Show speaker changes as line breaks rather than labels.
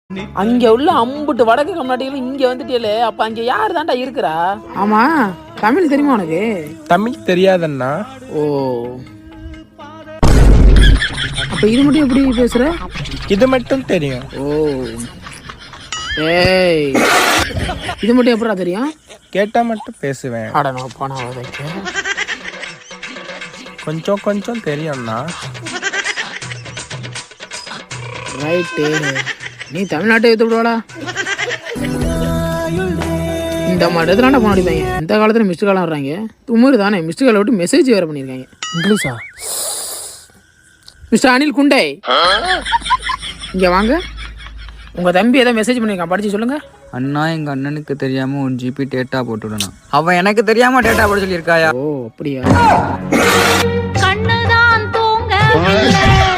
அங்க உள்ள அம்புட்டு வடக்கு கம்நாட்டிகளும் இங்க வந்துட்டே. அப்ப அங்க யாரு தான்டா இருக்கிறா?
ஆமா, தமிழ் தெரியுமா உனக்கு?
தமிழ் தெரியாதண்ணா.
ஓ,
அப்ப இது மட்டும் எப்படி பேசுற?
இது மட்டும் தெரியும்.
ஓ, ஏய்,
இது மட்டும் எப்படா தெரியும்?
கேட்டா மட்டும் பேசுவேன்.
அட நான் போனா வைக்க.
கொஞ்சம் கொஞ்சம் தெரியும்ண்ணா.
ரைட்டு, நீ தமிழ்நாட்டை எடுத்து விடுவாடா. இந்த மாதிரி இடத்துலாண்டா போன அடிப்பாங்க. இந்த காலத்துல மிஸ்டு காலம் வர்றாங்க. துமுறு தானே, மிஸ்டு காலை விட்டு மெசேஜ் வேற பண்ணியிருக்காங்க.
இங்கிலீஷா?
மிஸ்டர் அனில் குண்டே, இங்க வாங்க. உங்க தம்பி ஏதோ மெசேஜ் பண்ணியிருக்கான், படிச்சு சொல்லுங்க.
அண்ணா, எங்க அண்ணனுக்கு தெரியாம 1 GB டேட்டா போட்டுடணும். அவன் எனக்கு தெரியாம டேட்டா போட சொல்லியிருக்காயா?
ஓ அப்படியா?
கண்ணுதான் தூங்க